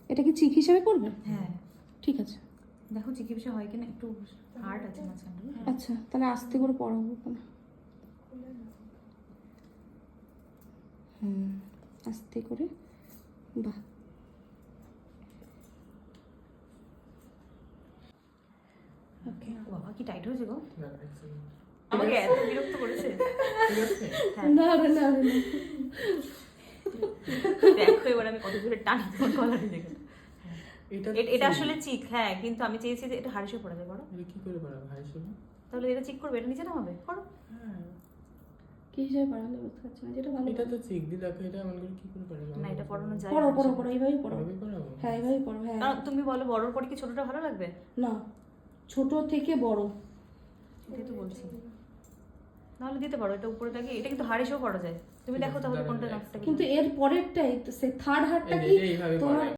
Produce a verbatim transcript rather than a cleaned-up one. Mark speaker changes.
Speaker 1: এটা কি চিক হিসেবে করবে?
Speaker 2: হ্যাঁ
Speaker 1: ঠিক আছে,
Speaker 2: দেখো চিকিৎসা হয় কিনা, একটু হার্ড আছে মাঝখানটা।
Speaker 1: আচ্ছা তাহলে আস্তে করে পড়াবো ওখানে। হুম, আস্তে করে। বাহ,
Speaker 2: ওকে। বাবা কি টাইট হয়েছে গো,
Speaker 3: না, এক second।
Speaker 2: আমাকে এত বিরক্ত করেছে।
Speaker 3: ঠিক আছে?
Speaker 1: না রে না রে না।
Speaker 2: দেখো এবার আমি কত জোরে টানি তোমার গলাটা দেখে।
Speaker 3: এটা
Speaker 2: এ- এটা আসলে চিক, হ্যাঁ, কিন্তু আমি চেয়েছি যে এটা হারিসে পড়া যায়। করো
Speaker 3: এটা কি করে বাড়াবো ভাই শুনো?
Speaker 2: তাহলে এটা চিক করবে, এটা নিচে নামাবে, করো।
Speaker 3: হ্যাঁ,
Speaker 1: কি হিসেবে পড়ালে বুঝতে পারছি না, যেটা ভালো।
Speaker 3: এটা তো চেক দি দেখো, এটা এমন করে কি করে বাড়াবো?
Speaker 2: না এটা পড়ানো যায়
Speaker 1: পড়ো
Speaker 2: না
Speaker 1: পড়ো
Speaker 2: আসলে।
Speaker 1: পড়ো, এইভাবেই পড়ো।
Speaker 3: এভাবে বাড়াবো?
Speaker 1: হ্যাঁ এইভাবেই পড়ো, হ্যাঁ।
Speaker 2: কারণ তুমি বলো বড়র পরে কি ছোটটা ভালো লাগবে,
Speaker 1: না, ছোট থেকে বড়।
Speaker 2: এটাই তো বলছি। নাহলে দিতে পারো এটা উপরে গিয়ে, এটা কিন্তু হারিসেও পড়া যায়। তুমি দেখো তাহলে কোনটা নাকটা
Speaker 1: কিন্তু এর পরেরটাই তো সে থার্ড হারটা
Speaker 3: এই যে
Speaker 1: কি
Speaker 3: এটা এইভাবে
Speaker 1: তোমার
Speaker 3: বাড়ায়।